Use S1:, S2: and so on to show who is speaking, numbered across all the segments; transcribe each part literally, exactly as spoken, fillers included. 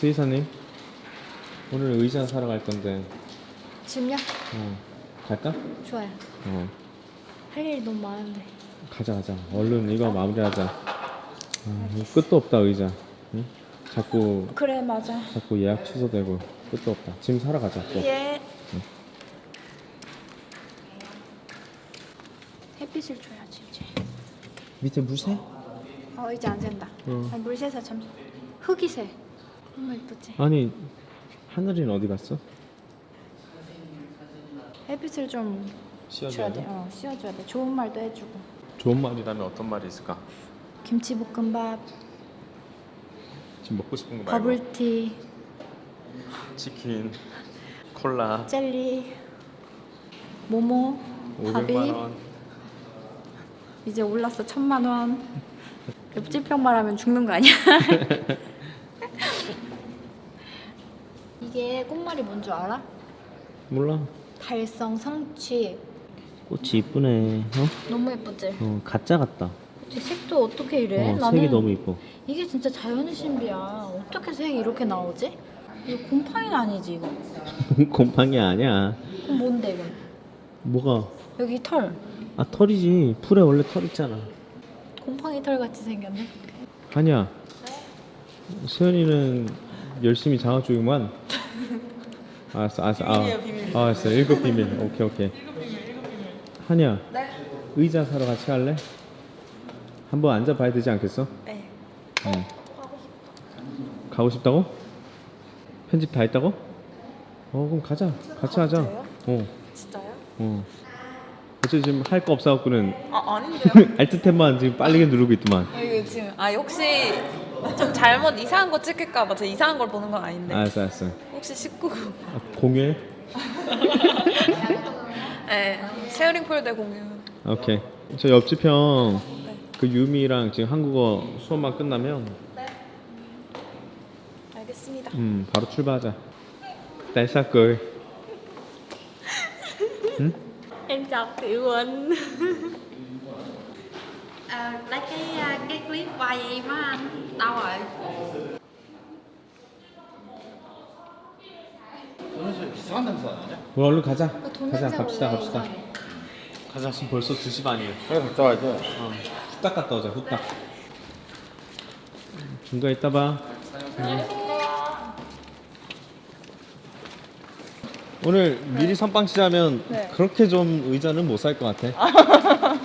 S1: 수의사님, 오늘 의자 사러 갈 건데.
S2: 지금요?
S1: 어, 갈까?
S2: 좋아요.
S1: 어,
S2: 할 일이 너무 많은데.
S1: 가자 가자. 얼른 이거 마무리하자. 아, 이거 끝도 없다 의자. 응? 자꾸
S2: 그래 맞아.
S1: 자꾸 예약 취소되고 끝도 없다. 지금 사러 가자. 또.
S2: 예.
S1: 응.
S2: 햇빛을 줘야지 이제.
S1: 밑에 물새?
S2: 어 이제 안 샌다.
S1: 응.
S2: 어, 물새서 참 흙이 새. 너무 예쁘지?
S1: 아니 하늘이는 어디 갔어?
S2: 햇빛을 좀
S1: 씌워줘야
S2: 줘야 돼.
S1: 돼?
S2: 어 씌워줘야 돼. 좋은 말도 해주고.
S1: 좋은 말이라면 어떤 말이 있을까?
S2: 김치볶음밥,
S1: 지금 먹고 싶은 거 말고.
S2: 버블티,
S1: 치킨, 콜라.
S2: 젤리, 모모, 밥이
S1: 오백만 원.
S2: 이제 올랐어 천만 원. 옆집평 말하면 죽는 거 아니야? 이게 꽃말이 뭔 줄 알아?
S1: 몰라.
S2: 달성 성취.
S1: 꽃이 이쁘네. 어?
S2: 너무 예쁘지?
S1: 어 가짜 같다.
S2: 제 색도 어떻게 이래?
S1: 어,
S2: 나는
S1: 색이 너무 이뻐.
S2: 이게 진짜 자연의 신비야. 어떻게 색이 이렇게 나오지? 이거 곰팡이는 아니지 이거?
S1: 곰팡이 아니야.
S2: 그럼 뭔데 이건?
S1: 뭐가?
S2: 여기 털.
S1: 아 털이지. 풀에 원래 털 있잖아.
S2: 곰팡이 털 같이 생겼네.
S1: 아니야. 수연이는 열심히 장아주기만. 알았어, 알았어. 아, 아, 알았어. 일곱 비밀. 오케이, 오케이. 한이야.
S2: 네.
S1: 의자 사러 같이 갈래? 한번 앉아봐야 되지 않겠어?
S2: 네.
S1: 응. 가고 싶다고? 편집 다 했다고? 어, 그럼 가자. 같이 하자.
S2: 진짜요?
S1: 어,
S2: 진짜요?
S1: 어. 어차피 지금 할 거 없어갖고는
S3: 아 아닌데요?
S1: 알트 탭만 지금 빠르게 누르고 있더만.
S3: 이거 지금 아 혹시 좀 잘못 이상한 거 찍힐까봐 저 이상한 걸 보는 건 아닌데
S1: 알았어, 알았어.
S3: 혹시 십구
S1: 아, 공유해?
S3: 네 쉐어링 폴더 공유.
S1: 오케이. 저 옆집 형 그 유미랑 지금 한국어 수업만 끝나면
S3: 네 알겠습니다.
S1: 음 바로 출발하자. Tại sao cười? 응?
S2: Em chào Tiểu Quỳnh.
S4: À, lấy cái cái clip quay em á anh. Đâu rồi?
S5: 오늘 이상한 냄새 나냐?
S1: 우리 얼른 가자.
S2: 돈
S1: 가자.
S2: 냄새
S1: 갑시다.
S2: 원래
S1: 갑시다.
S2: 이상해.
S1: 가자. 지금 벌써 두 시 반이에요.
S5: 그래 갔다 와야 돼.
S1: 어. 후딱 갔다 오자. 후딱. 중간에 있다 봐. 응. 오늘 미리 선빵 치자면
S3: 네.
S1: 그렇게 좀 의자는 못 살 것 같아.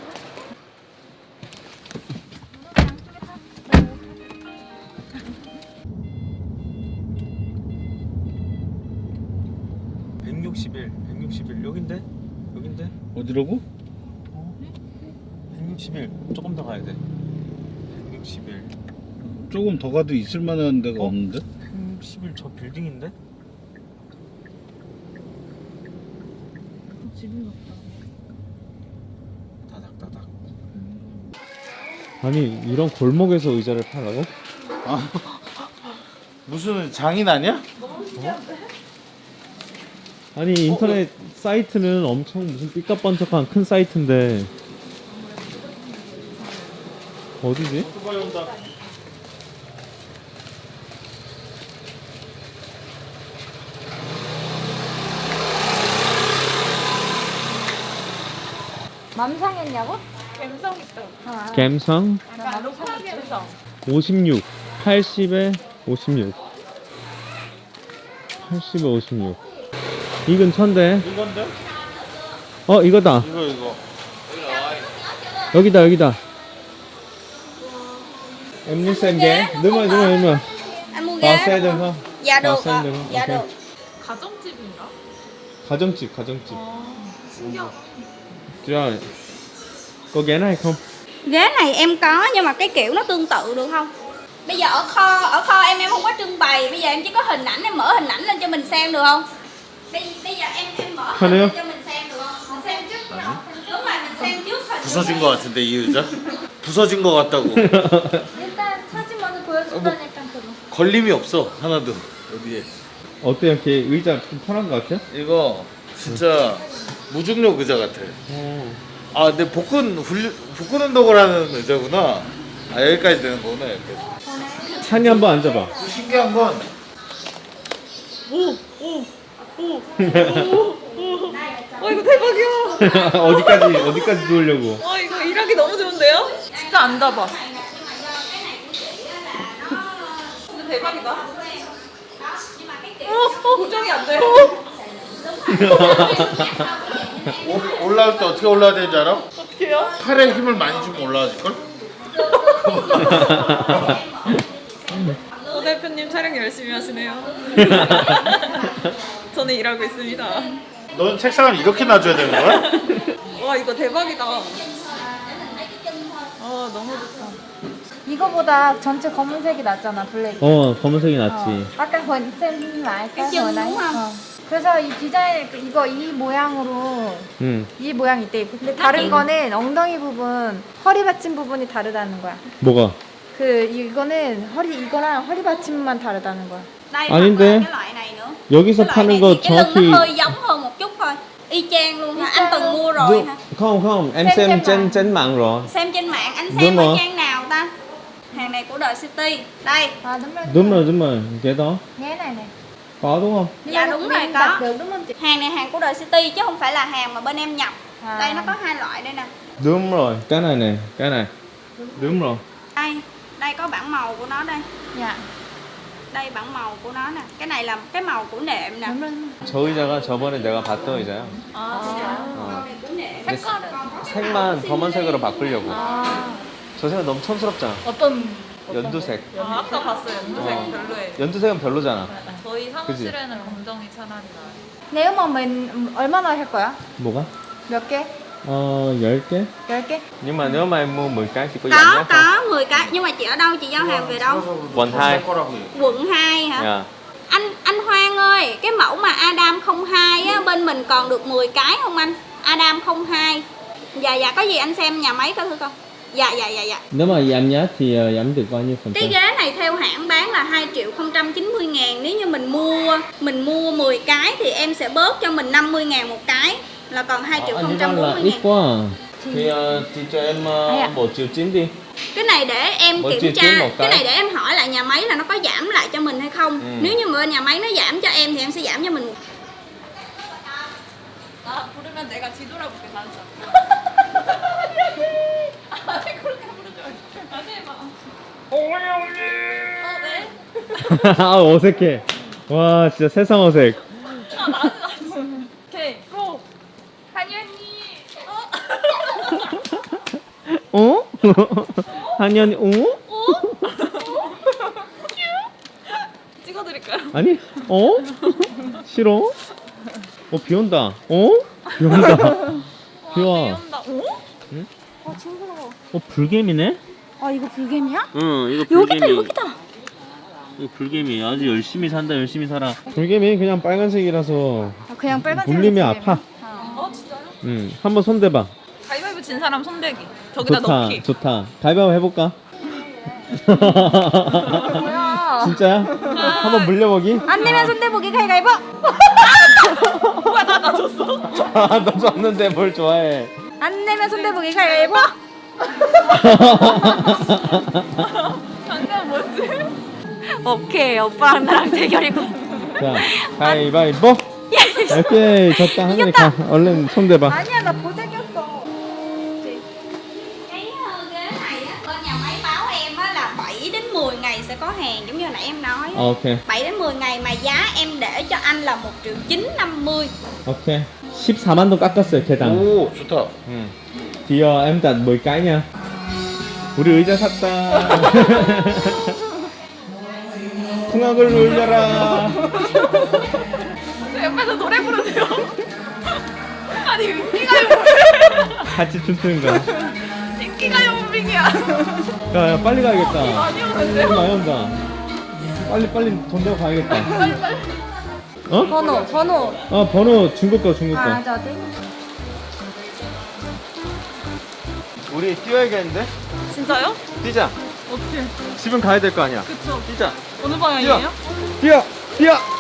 S1: 백육십일, 백육십일 여긴데? 여긴데?
S5: 어디라고?
S1: 백육십일 조금 더 가야 돼. 백육십일.
S5: 조금 더 가도 있을 만한 데가
S1: 어?
S5: 없는데?
S1: 백육십일 저 빌딩인데? 다닥다닥. 아니 이런 골목에서 의자를 팔라고?
S5: 아 무슨 장인 아니야?
S1: 아니 인터넷 사이트는 엄청 무슨 삐까뻔쩍한 큰 사이트인데 어디지?
S2: 맘상했냐고?
S3: 감성 있다.
S2: 아,
S1: 갬성
S3: 약간 로컬 감성.
S1: 오십육 팔십에 오십육 팔십에 오십육 이 근처인데
S5: 이건데?
S1: 어 이거다
S5: 이거 이거
S1: 여기다 여기다 em muốn xem ghé đúng rồi đúng rồi đúng rồi
S4: Anh mua
S1: vào
S4: ghế
S1: xe
S4: đúng
S1: được
S4: không?
S1: không
S4: Dạ
S1: vào
S4: được
S1: xe
S4: ạ.
S1: được không
S4: Dạ
S1: Ok.
S4: được.
S3: 가정집인가?
S1: 가정집 가정집
S3: 신기하다.
S1: Rồi có ghé này không
S4: Ghế này em có nhưng mà cái kiểu nó tương tự được không? Bây giờ ở kho ở kho em em không có trưng bày, bây giờ em chỉ có hình ảnh, em mở hình ảnh lên cho mình xem được không? Bây, bây giờ em em mở hình
S1: Hello.
S4: lên cho mình xem được không? Mình xem trước không? Đúng rồi, mình xem trước hình.
S5: 부서진 거 같은데 이 의자? 부서진 거 같다고.
S2: 일단 사진 먼저 보여준다니까 그거.
S5: 걸림이 없어 하나도 여기에.
S1: 어때 이렇게 의자 좀 편한 것 같아?
S5: 이거 진짜 무중력 의자 같아.
S1: 어.
S5: 아 근데 복근 훈련 복근 운동을 하는 의자구나. 아 여기까지 되는 거구나 여기까지.
S1: 찬이 한번 앉아봐
S5: 또 신기한 건
S3: 와 이거 대박이야.
S1: 어디까지 어디까지 누우려고?
S3: 와 이거 일하기 너무 좋은데요? 진짜 안 잡아. 진짜 대박이다. 어, 어, 고정이 안 돼.
S5: 올- 올라올 때 어떻게 올라야 되는지 알아?
S3: 어떡해요?
S5: 팔에 힘을 많이 주면 올라와질걸?
S3: 오 대표님 촬영 열심히 하시네요. 저는 일하고 있습니다.
S5: 넌 책상을 이렇게 놔줘야 되는 거야?
S3: 와 이거 대박이다. 아 너무 좋다.
S2: 이거보다 전체 검은색이 낫잖아, 블랙.
S1: 어 검은색이 낫지.
S2: 아까 본 쌤 말까
S4: Cái chân đúng không?
S2: 어. 그래서 이 디자인 이거 이 모양으로
S1: 응.
S2: 이 모양이 있대. 근데 다른 거는 엉덩이 부분, 허리 받침 부분이 다르다는 거야.
S1: 뭐가?
S2: 그 이거는 허리 이거랑 허리 받침만 다르다는 거야.
S4: Đây
S1: 아닌데.
S4: hoặc là cái loại này nữa.
S1: 여기서
S4: Cái loại
S1: 파는
S4: này
S1: 거
S4: thì cái lưng
S1: 정확히
S4: nó hơi giống hơn một chút thôi. Y chang luôn hả? Anh từng mua rồi hả?
S1: không không em
S2: Xem
S1: xem
S2: trên
S1: trên
S2: mạng.
S1: trên mạng rồi.
S4: Xem trên mạng, anh
S1: Đúng
S4: xem ở
S1: rồi.
S4: trang nào ta? Hàng này của The City. Đây.
S2: À đúng rồi.
S1: đúng rồi đúng rồi cái đó
S2: Nghe này này.
S1: có đúng không?
S4: Dạ đúng rồi,
S2: Mình
S4: có.
S2: đặt được đúng không chị?
S4: Hàng này hàng của The City chứ không phải là hàng mà bên em nhập.
S2: À.
S4: Đây nó có hai loại đây nè.
S1: đúng rồi cái này này cái này đúng rồi.
S4: Đây, đây có bảng màu của nó đây.
S2: Dạ.
S4: Đây bảng màu của nó nè. Cái này là cái màu của nệm nè.
S2: đúng rồi.
S1: 저 의자가 저번에 내가 봤던 의자야.
S3: 아 진짜.
S1: 어.
S4: Của nệm.
S1: 근데 색만 검은색으로 바꾸려고.
S2: 아
S1: 저 색은 너무 촌스럽잖아.
S3: 어떤
S1: 연두색.
S3: 아, 아까 봤어요. 연두색
S1: 어.
S3: 별로예요.
S1: 연두색은 별로잖아.
S3: 저희 사무실에는 검정이 차라리 나아요.
S2: nếu mà mình 얼마나 할 거야?
S1: 뭐가?
S2: 몇 개?
S1: 어, 열 개?
S2: 열 개?
S1: Nhưng mà nếu mà em mua mười cái thì có giảm
S4: Có,
S1: giá không?
S4: có mười cái. Nhưng mà chị ở đâu? Chị giao hàng về đâu?
S1: Quận hai.
S4: Quận hai hả?
S1: Dạ.
S4: Anh anh Hoang ơi, cái mẫu mà Adam không hai á, bên mình còn được mười cái không anh? Adam không hai. Dạ dạ, có gì anh xem nhà máy có thử coi. Dạ dạ dạ dạ.
S1: Nếu mà giảm giá thì ờ, giảm được bao nhiêu phần
S4: Cái
S1: trăm?
S4: ghế này theo hãng bán là hai triệu không trăm chín mươi ngàn. Nếu như mình mua mình mua mười cái thì em sẽ bớt cho mình năm mươi ngàn một cái. Là còn hai triệu
S1: Ờ,
S4: không
S1: như
S4: trăm
S1: vậy là
S4: bốn mươi
S1: ít
S4: ngàn.
S1: quá à. Thì, ờ, thì cho em ờ,
S2: Ai ạ?
S1: một triệu chín đi.
S4: Cái này để em
S1: Mỗi
S4: kiểm
S1: triệu
S4: tra.
S1: chín một
S4: Cái
S1: cái.
S4: này để em hỏi lại nhà máy là nó có giảm lại cho mình hay không.
S1: Ừ.
S4: Nếu như mà bên nhà máy nó giảm cho em thì em sẽ giảm cho mình một.
S3: 나 부르면 내가 뒤돌아볼게 단서. 아니 그렇게 부르지 말고. 다시 해봐. 어 네.
S1: 아 어색해. 와 진짜 세상 어색.
S3: 아 나지 나지. 오케이 고. 한이 언니. 어?
S1: 어? 한현이 어?
S3: 찍어드릴까요?
S1: 아니? 어? 싫어? 어 비온다. 어? 비온다. 비와.
S3: 비온다. 어?
S2: 어 징그러워.
S1: 어 불개미네?
S2: 아 이거 불개미야?
S1: 응 이거
S4: 여기다 여기다.
S1: 이거 불개미 아주 열심히 산다 열심히 살아. 불개미 그냥 빨간색이라서
S2: 아, 그냥 빨간색.
S1: 물리면 아파.
S3: 어 진짜요?
S1: 응 한번 손대봐.
S3: 가위바위보 진 사람 손대기. 저기다
S1: 좋다
S3: 넣기.
S1: 좋다. 가위바위보 해볼까?
S2: 뭐야?
S1: 진짜야? 한번 물려보기?
S2: 안 내면 손대보기 가위가위보.
S3: 뭐야 나 나 줬어.
S1: 아, 너 줬는데 뭘 좋아해?
S2: 안 내면 손대보기 가위가위보.
S3: 방금 뭐지?
S2: 오케이 오빠랑 나랑 대결이고.
S1: 자, 가위바위보. 오케이, 졌다. 하늘이 가. 얼른 손대봐.
S2: 아니야 나 보색이었어.
S4: Cái ờ, ghế này á, bên nhà máy báo em á là bảy đến mười ngày sẽ có hàng giống như hồi nãy em nói á.
S1: 어, 오케이,
S4: bảy đến mười ngày mà giá em để cho anh là một triệu chín năm mươi.
S1: 오케이. 십사만 동 깎았어요, 개당.
S5: 오 좋다.
S1: 응. 디어, em đặt mười cái nha. 우리 의자 샀다. 풍악을 울려라.
S3: 옆에서 노래 부르세요. 아니 인기가요
S1: 같이 춤추는 거야.
S3: 인기가요 무빙이야.
S1: 야, 야, 빨리 가야겠다.
S3: 많이 오는데요?
S1: 돈 많이 온다. 빨리, 빨리 돈 내고 가야겠다. 어?
S2: 번호 번호.
S1: 아, 번호 중국 거, 중국 거.
S2: 아 저기.
S1: 우리 뛰어야겠는데?
S3: 진짜요?
S1: 뛰자.
S3: 어떻게?
S1: 집은 가야 될 거 아니야.
S3: 그쵸.
S1: 뛰자.
S3: 어느 방향이에요?
S1: 뛰어! 뛰어!